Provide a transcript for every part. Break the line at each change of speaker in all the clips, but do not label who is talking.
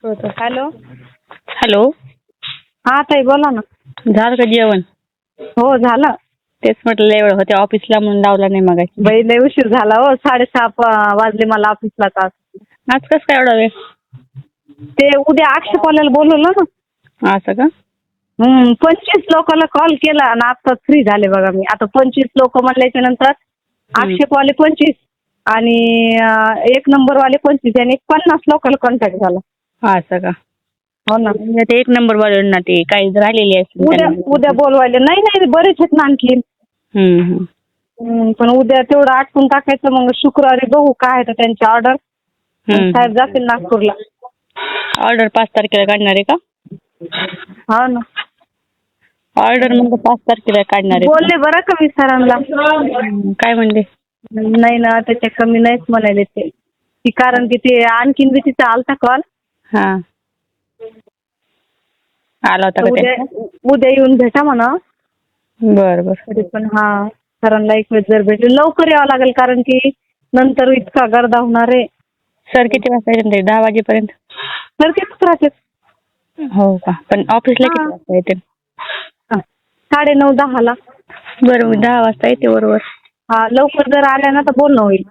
Hello.
Hello.
हा ताई बोला ना.
झालं का जेवण?
हो झालं.
तेच म्हटलं एवढं होते ऑफिसला म्हणून लावला नाही मग.
बाई लय उशीर झाला हो, 6:30 वाजले मला ऑफिसला तास.
आज कसं काय एवढा वेळ?
ते उद्या आक्षेपवाल्याला बोलवलं ना.
असं का?
25 लोकांना कॉल केला आणि आता फ्री झाले बघा मी. आता 25 लोक म्हणल्याच्या नंतर आक्षेपवाले 25 आणि 1 नंबरवाले 25 आणि 50 लोकांना कॉन्टॅक्ट झाला.
असं का?
हो ना.
ते 1 नंबर वाले ना ते काही राहिलेले असतील
उद्या बोलवायले. नाही बरेच आहेत ना आणखी. पण उद्या तेवढं आटपून टाकायचं, मग शुक्रवारी बघू काय आहे त्यांची ऑर्डर. साहेब जातील नागपूरला.
ऑर्डर 5 तारखेला काढणार आहे का?
हो ना.
ऑर्डर मग 5 तारखेला काढणार आहे.
बोलले बरं का मी सरांना.
काय म्हणले?
नाही ना, त्याच्या कमी नाहीच म्हणाले ते. कारण की ते आणखीन बी तिचा आलता कॉल.
हा आला होता का?
उद्या येऊन भेटा म्हणा.
बरं.
तरी पण हा सरांना एक वेळ जर भेटले लवकर यावं लागेल, कारण की नंतर इतका गर्दा होणार आहे.
सर किती वाजता येतील? 10 वाजेपर्यंत.
सर किती राहतात?
हो का? पण ऑफिसला किती वाजता येतील?
9:30-10 ला.
बरं मी 10 वाजता येते बरोबर.
हा लवकर जर आल्या ना तर बोलणं होईल.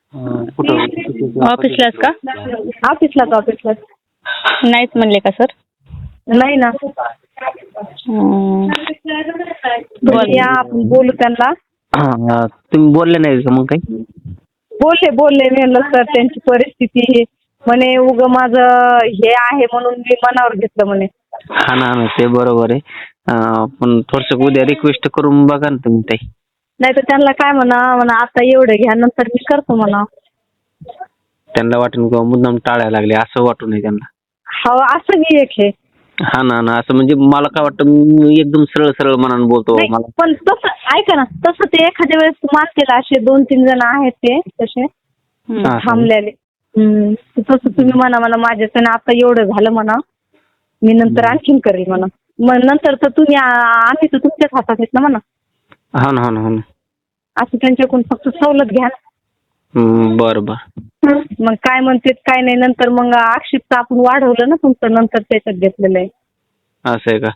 ऑफिसलाच का?
ऑफिसलाच.
नाहीच म्हणले का सर?
नाही ना. या आपण बोलू त्यांना.
तुम्ही बोलले नाही का मग काही?
बोलले मी म्हणलं सर त्यांची परिस्थिती म्हणे उग माझं हे आहे म्हणून मी मनावर घेतलं म्हणे.
हा ना ते बरोबर आहे. पण थोडस उद्या रिक्वेस्ट करून बघा ना तुम्ही ताई.
नाही तर त्यांना काय म्हणा आता एवढं घ्या नंतर मी करतो म्हणा.
त्यांना वाटून किंवा मुद्दाम टाळायला लागले असं वाटू नये त्यांना.
हो असं मी एक हे.
हा ना असं म्हणजे मला काय वाटतं, मी एकदम सरळ मनानं बोलतो.
पण तसं ऐका ना, तसं ते एखाद्या वेळेस मानतील. असे 2-3 जण आहेत ते तसे थांबलेले. तसं तुम्ही म्हणा माझ्याचं आता एवढं झालं म्हणा, मी नंतर आणखीन करेल म्हणा. मग नंतर तर तुम्ही आम्ही तर तुमच्याच हातात आहेत ना म्हणा.
हो ना.
असं त्यांच्याकडून फक्त सवलत घ्या.
बरं.
मग काय म्हणतात काय नाही, नंतर मग आक्षेप आपण वाढवलं ना तुमचं, नंतर त्याच्यात घेतलेलं आहे.
असं आहे का?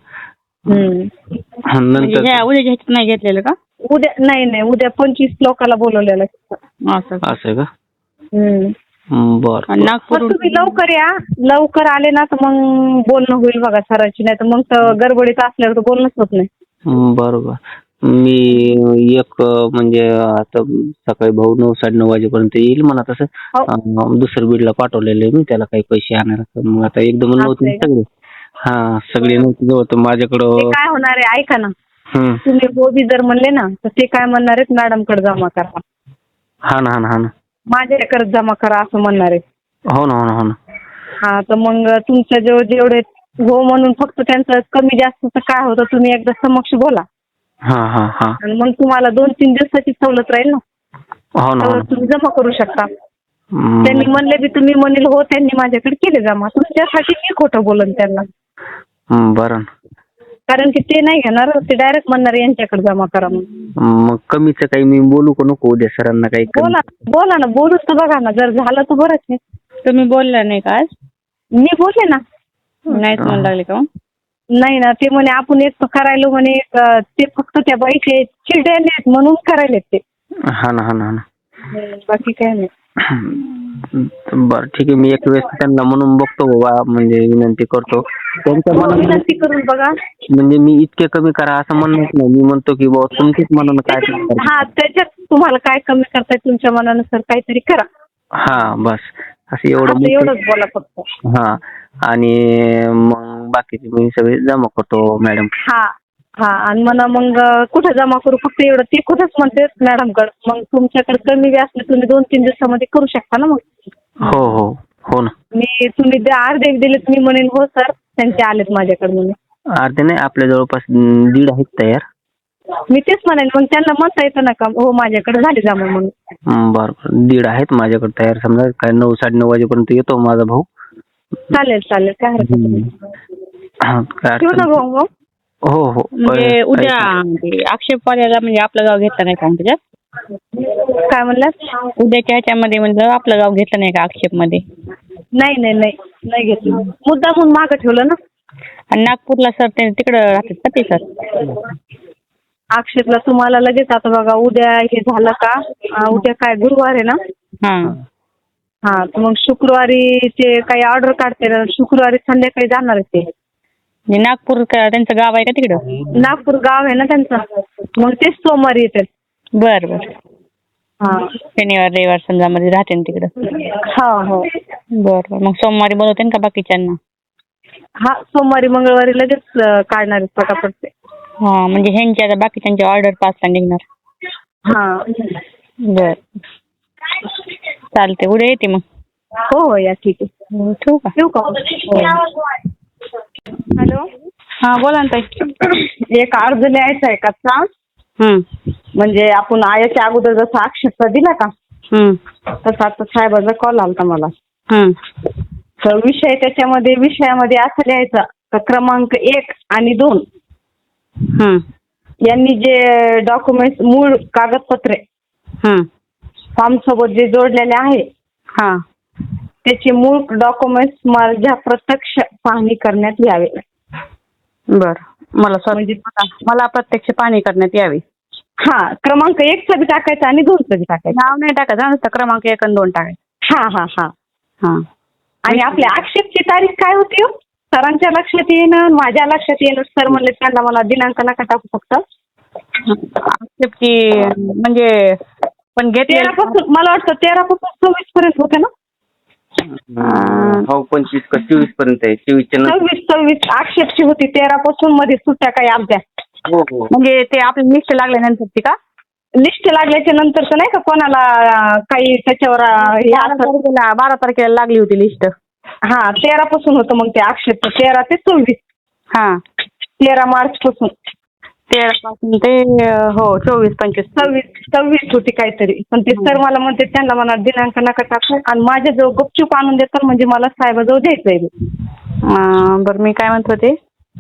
नंतर उद्या नाही घेतलेलं का?
उद्या नाही उद्या 25 लोकांना बोलवलेलं आहे.
असं आहे का? बरं.
तुम्ही लवकर या. लवकर आले ना तर मग बोलणं होईल बघा सरांची. नाही तर मग तर गडबडीत असल्यावर तर बोलणंच होत नाही.
बरोबर. मी एक म्हणजे आता सकाळी भाऊ 9-9:30 वाजेपर्यंत येईल म्हणा. तसं दुसरं बीडला पाठवलेलं आहे मी त्याला काही पैसे आणायला. मग आता एकदम नव्हते सगळे. सगळे नव्हते जवळ तर माझ्याकडं
काय होणार आहे ऐका ना. तुम्ही बी जर म्हणले ना तर ते काय म्हणणार आहेत, मॅडम कडे जमा करा.
हा ना
माझ्याकडे जमा करा असं म्हणणार आहे.
हो ना.
हा तर मग तुमच्या जेवढे हो म्हणून फक्त त्यांचं कमी जास्त काय होतं तुम्ही एकदा समक्ष बोला.
हा.
आणि मग तुम्हाला 2-3 दिवसाची सवलत राहील ना.
हो ना.
तुम्ही जमा करू शकता. त्यांनी म्हणले बी तुम्ही म्हणेल हो त्यांनी माझ्याकडे केले जमा. तुमच्यासाठी मी खोटं बोलन त्यांना.
बरं.
कारण की ते नाही घेणार, ते डायरेक्ट म्हणणार यांच्याकडे जमा करा म्हणून.
मग कमीचं काही मी बोलू का नको उद्या सरांना काही?
बोला ना बोलूच तर बघा ना, जर झालं तर बरंच आहे.
तुम्ही बोलला नाही का आज?
मी बोलले ना.
नाहीच म्हणू लागले का?
नाही ना, ते म्हणे आपण एक करायलो म्हणे, ते फक्त त्या बाईचे चिडलेले आहेत म्हणून करायलेत ते.
हा ना.
बाकी काय नाही.
बरं ठीक आहे. मी एक वेळेस त्यांना म्हणून बघतो बाबा, म्हणजे विनंती करतो त्यांच्या मनात.
विनंती करून बघा.
म्हणजे मी इतके कमी करा असं म्हणत नाही. मी म्हणतो की बाबा तुमच्याच मनानं काय.
त्याच्यात तुम्हाला काय कमी करताय तुमच्या मनानुसार काहीतरी करा.
बस असं एवढंच
बोला फक्त.
आणि मग बाकीचे मी सगळे जमा करतो मॅडम.
आणि मग कुठे जमा करू फक्त एवढं ते कुठंच म्हणते मॅडमकडे. मग तुमच्याकडे कमी बी असले तुम्ही 2-3 दिवसामध्ये करू शकता ना मग.
हो ना.
तुम्ही अर्धे दिले तुम्ही म्हणेन हो सर त्यांचे आलेत माझ्याकडे म्हणून.
अर्धे नाही, आपल्या जवळपास 1.5 आहेत तयार.
मी तेच म्हणेन मग त्यांना म्हणता येतं ना का हो माझ्याकडे झाले जमा म्हणून.
बरं 1.5 आहेत माझ्याकडे तयार. समजा काय 9-9:30 वाजेपर्यंत येतो माझा भाऊ.
चालेल काय हरकत नाही. ठेवू ना भाऊ.
हो.
म्हणजे उद्या आक्षेपवाल्याला म्हणजे आपलं गाव घेतलं नाही का त्याच्यात?
काय म्हणलात?
उद्याच्या ह्याच्यामध्ये म्हणजे आपलं गाव घेतलं नाही का आक्षेप मध्ये?
नाही नाही घेतलं. मुद्दा म्हणून मागं ठेवलं ना.
आणि नागपूरला सर ते तिकडं राहतात का ते सर?
अक्षरला तुम्हाला लगेच आता बघा उद्या हे झालं का उद्या काय गुरुवार आहे ना. हा तर मग शुक्रवारी ते काही ऑर्डर काढते ना, शुक्रवारी संध्याकाळी जाणार आहे ते.
म्हणजे नागपूर त्यांचं गाव आहे का तिकडं?
नागपूर गाव आहे ना त्यांचं, मग तेच सोमवारी येते.
बर बर.
हा
शनिवार रविवार समजा मध्ये राहते ना तिकडं.
हा हो
बर बर. मग सोमवारी बोलवते का बाकीच्यांना?
हा सोमवारी मंगळवारी लगेच काढणार आहेत पटापट ते.
हा म्हणजे ह्यांच्या आता बाकीच्यांची ऑर्डर 5ला निघणार.
हा
बर चालते, उद्या येते मग.
हो हो या ठीक आहे.
ठेवू का?
ठेवू का? हॅलो
हा बोला ना ताई.
एक अर्ज लिहायचा आहे कच्चा. म्हणजे आपण आयाच्या अगोदर जसा आक्षेप दिला का तसा आता साहेबाचा कॉल आलता मला. तर विषयामध्ये असं लिहायचं तर क्रमांक 1 आणि 2 यांनी जे डॉक्युमेंट मूळ कागदपत्रे फॉर्म सोबत जे जोडलेले आहे त्याचे मूळ डॉक्युमेंट्स माझ्या प्रत्यक्ष पाहणी करण्यात यावे.
बर म्हणजे मला प्रत्यक्ष पाहणी करण्यात यावी.
हा क्रमांक 1चं बी टाकायचं आणि 2चं बी टाकायचं.
नाव नाही टाकायचं नुसतं क्रमांक 1 आणि 2 टाकायचं.
हा हा हा हा. आणि आपल्या आक्षेपची तारीख काय होती? सरांच्या लक्षात येणं माझ्या लक्षात येणं. सर म्हणले त्यांना मला दिनांक नका टाकू फक्त.
आक्षेपची म्हणजे पण घेतली
13 पासून मला वाटतं 13 पासून 24 पर्यंत होते ना.
हो 25 का 24 पर्यंत आहे.
26 आक्षेपची होती. 13 पासून मध्ये सुट्ट्या काही आमच्या.
म्हणजे ते आपली लिस्ट लागल्यानंतरची का?
लिस्ट लागल्याच्या नंतरच नाही का कोणाला काही त्याच्यावर
12 तारखेला लागली होती लिस्ट.
हा 13 पासून होतं मग ते आक्षेप. 13 ते 24.
हा
13 मार्च पासून
13 पासून ते हो 24 25
26 होती काहीतरी. पण ते सर मला म्हणते त्यांना म्हणा दिनांक नका टाकू आणि माझ्याजवळ गुपचूप आणून देतात म्हणजे मला साहेबाजवळ द्यायचंय.
बरं मी काय म्हणत होते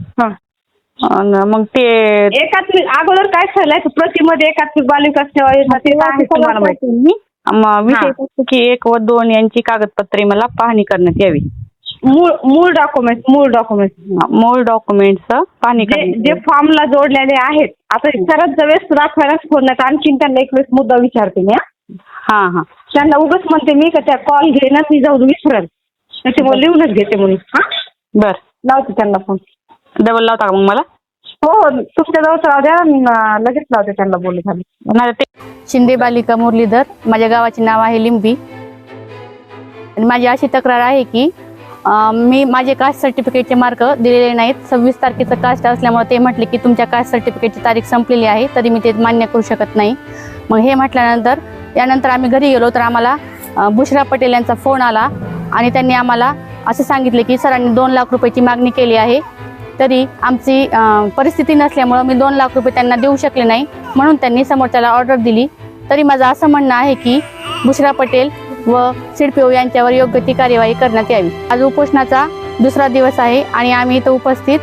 मग ते
एकात्मिक अगोदर काय झालंय प्रतिमध्ये एकात्मिक बालविकास सेवा योजना ते आहे तुम्हाला माहिती.
विषय फक्त की 1 व 2 यांची कागदपत्रे मला पाहणी करण्यात यावी.
मूळ डॉक्युमेंट्स पाहणी जे फॉर्मला जोडलेले आहेत. आता सरच वेळेस दाखवायलाच फोडण्यात आणखीन त्यांना एक वेळेस मुद्दा विचारते मी.
हा
त्यांना उगाच म्हणते मी का त्या कॉल घेणार मी जाऊन विसरेल त्याच्यामुळे लिहूनच घेते म्हणून. हा बर लावते त्यांना फोन.
डबल लावता का मग मला?
हो तुमच्या जवळ राहू द्या मी लगेच लावते त्यांना बोलू झालं.
शिंदे बालिका मुरलीधर माझ्या गावाचे नाव आहे लिंबी. आणि माझी अशी तक्रार आहे की मी माझे कास्ट सर्टिफिकेटचे मार्क दिलेले नाहीत. 26 तारखेचं कास्ट असल्यामुळे ते म्हटले की तुमच्या कास्ट सर्टिफिकेटची तारीख संपलेली आहे तरी मी ते मान्य करू शकत नाही. मग हे म्हटल्यानंतर यानंतर आम्ही घरी गेलो तर आम्हाला बुशरा पटेल यांचा फोन आला आणि त्यांनी आम्हाला असे सांगितले की सरांनी 2 लाख रुपयाची मागणी केली आहे तरी आमची परिस्थिती नसल्यामुळं मी 2 लाख रुपये त्यांना देऊ शकले नाही म्हणून त्यांनी समोरच्याला ऑर्डर दिली. तरी माझं असं म्हणणं आहे की बुशरा पटेल व सिडपीओ यांच्यावर योग्य ती कार्यवाही करण्यात यावी. आज उपोषणाचा 2रा दिवस आहे आणि आम्ही इथं उपस्थित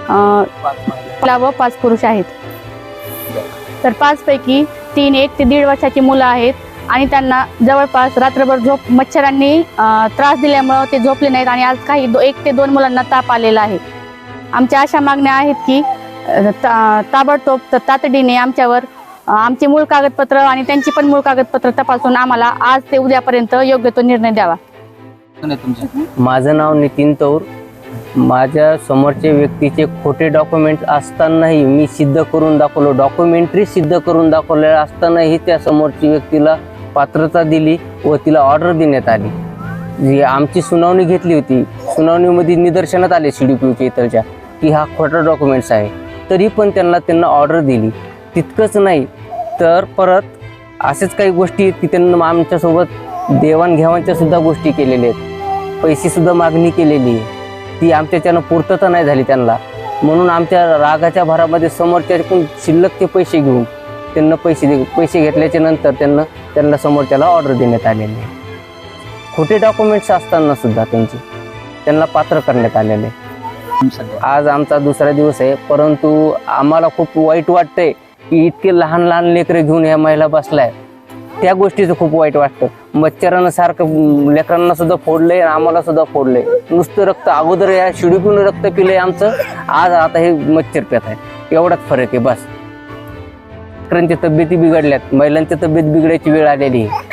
5 पुरुष आहेत. तर 5 पैकी 3 1 ते 1.5 वर्षाची मुलं आहेत आणि त्यांना जवळपास रात्रभर मच्छरांनी त्रास दिल्यामुळं ते झोपले नाहीत आणि आज काही 1 ते 2 मुलांना ताप आलेला आहे. आमच्या अशा मागण्या आहेत की ताबडतोब तातडीने आमच्यावर आमचे मूळ कागदपत्र आणि त्यांची पण मूळ कागदपत्र तपासून आम्हाला आज ते उद्यापर्यंत योग्य तो निर्णय द्यावा.
माझं नाव नितीन तौर. माझ्या समोरच्या व्यक्तीचे खोटे डॉक्युमेंट असतानाही मी सिद्ध करून दाखवलो. डॉक्युमेंटरी सिद्ध करून दाखवलेलं असतानाही त्या समोरच्या व्यक्तीला पात्रता दिली व तिला ऑर्डर देण्यात आली. जी आमची सुनावणी घेतली होती. सुनावणीमध्ये निदर्शनात आले CDPOच्या इथलच्या की हा खोटा डॉक्युमेंट्स आहे तरी पण त्यांना ऑर्डर दिली. तितकंच नाही तर परत असेच काही गोष्टी आहेत की त्यांना आमच्यासोबत देवाणघेवाणच्या सुद्धा गोष्टी केलेल्या आहेत. पैसेसुद्धा मागणी केलेली आहे ती आमच्याच्यानं पूर्तता नाही झाली त्यांना. म्हणून आमच्या रागाच्या भरामध्ये समोरच्याकडून शिल्लकचे पैसे घेऊन त्यांना पैसे घेतल्याच्या नंतर त्यांना समोरच्याला ऑर्डर देण्यात आलेली आहे. खोटे डॉक्युमेंट्स असताना सुद्धा त्यांना पात्र करण्यात आलेले. आज आमचा 2रा दिवस आहे परंतु आम्हाला खूप वाईट वाटतंय की इतके लहान लेकरं घेऊन ह्या महिला बसलाय त्या गोष्टीचं खूप वाईट वाटतं. मच्छरानं सारखं लेकरांना सुद्धा फोडलंय, आम्हाला सुद्धा फोडलंय. नुसतं रक्त, अगोदर या शिडीतून रक्त पिलंय आमचं, आज आता हे मच्छर पेत आहे. एवढाच फरक आहे बस. लेकरांच्या तब्येती बिघडल्यात, महिलांच्या तब्येत बिघडायची वेळ आलेली आहे.